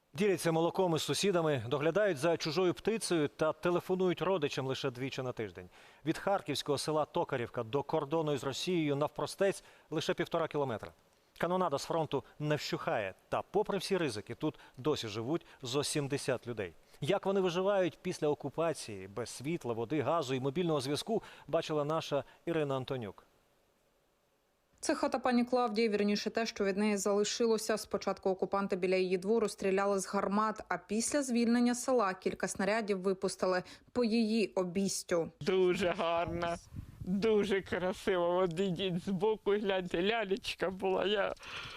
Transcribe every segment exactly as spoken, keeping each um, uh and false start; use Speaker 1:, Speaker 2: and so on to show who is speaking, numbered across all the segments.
Speaker 1: Діляться молоком із сусідами, доглядають за чужою птицею та телефонують родичам лише двічі на тиждень. Від харківського села Токарівка до кордону із Росією навпростець лише півтора кілометра. Канонада з фронту не вщухає. Та попри всі ризики, тут досі живуть зо сімдесят людей. Як вони виживають після окупації, без світла, води, газу і мобільного зв'язку, бачила наша Ірина Антонюк.
Speaker 2: Це хата пані Клавдії, вірніше те, що від неї залишилося. Спочатку окупанти біля її двору стріляли з гармат, а після звільнення села кілька снарядів випустили по її обійстю.
Speaker 3: Дуже гарна, дуже красива. От ідіть збоку, гляньте, лялечка була. Я...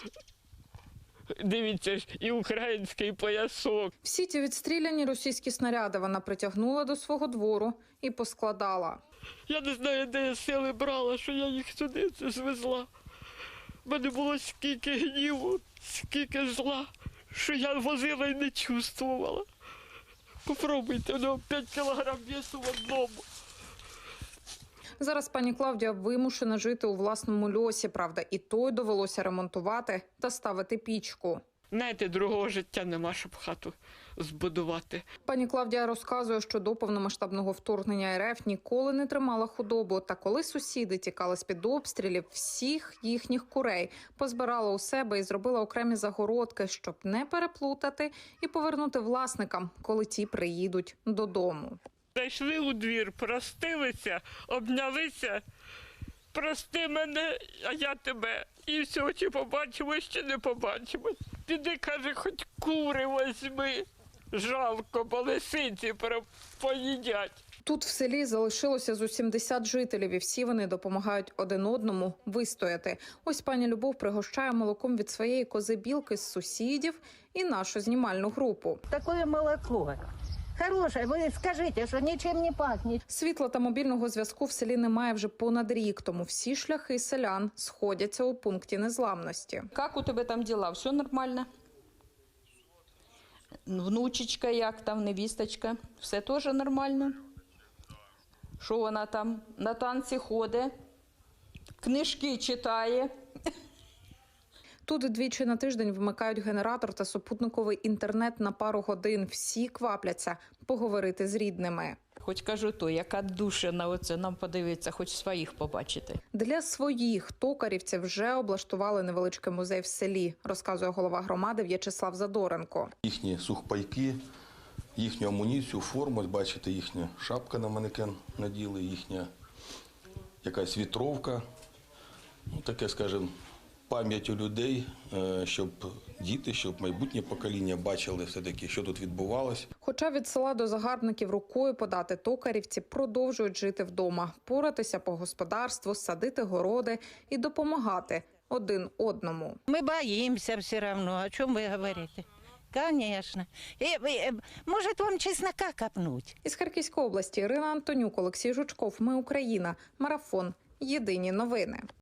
Speaker 3: Дивіться ж, і український поясок.
Speaker 2: Всі ті відстріляні російські снаряди вона притягнула до свого двору і поскладала.
Speaker 3: Я не знаю, де я сили брала, що я їх сюди це звезла. У мене було скільки гніву, скільки зла, що я возила і не чувствувала. Попробуйте, воно п'ять кілограм весу в одному.
Speaker 2: Зараз пані Клавдія вимушена жити у власному льосі, правда, і той довелося ремонтувати та ставити пічку.
Speaker 3: Знаєте, другого життя нема, щоб хату збудувати.
Speaker 2: Пані Клавдія розказує, що до повномасштабного вторгнення РФ ніколи не тримала худобу. Та коли сусіди тікали з-під обстрілів, всіх їхніх курей позбирала у себе і зробила окремі загородки, щоб не переплутати і повернути власникам, коли ті приїдуть додому.
Speaker 3: Зайшли у двір, простилися, обнялися. Прости мене, а я тебе. І все, чи побачимо, чи не побачимо. Піди, каже, хоч кури возьми. Жалко, бо лисиці поїдять.
Speaker 2: Тут в селі залишилося зо сімдесят жителів, і всі вони допомагають один одному вистояти. Ось пані Любов пригощає молоком від своєї кози-білки з сусідів і нашу знімальну групу.
Speaker 4: Такое молоко. Хороше, ви скажіть, що нічим не пахне.
Speaker 2: Світла та мобільного зв'язку в селі немає вже понад рік, тому всі шляхи селян сходяться у пункті незламності.
Speaker 5: Как у тебе там дела? Все нормально? Внучечка як там, невісточка? Все теж нормально? Що вона там? На танці ходить, книжки читає.
Speaker 2: Тут двічі на тиждень вмикають генератор та супутниковий інтернет на пару годин. Всі квапляться поговорити з рідними.
Speaker 5: Хоч кажу то, яка душа на оце нам подивиться, хоч своїх побачити.
Speaker 2: Для своїх токарівців вже облаштували невеличкий музей в селі, розказує голова громади В'ячеслав Задоренко.
Speaker 6: Їхні сухпайки, їхню амуніцію, форму, бачите, їхня шапка на манекен наділи, їхня якась вітровка, ну, таке, скажімо, пам'ять у людей, щоб діти, щоб майбутнє покоління бачили все-таки, що тут відбувалося.
Speaker 2: Хоча від села до загарбників рукою подати, токарівці продовжують жити вдома, поратися по господарству, садити городи і допомагати один одному.
Speaker 4: Ми боїмося все одно, о чому ви говорите? Конечно. Може, вам чеснока копнуть?
Speaker 2: Із Харківської області Ірина Антонюк, Олексій Жучков. Ми Україна. Марафон. Єдині новини.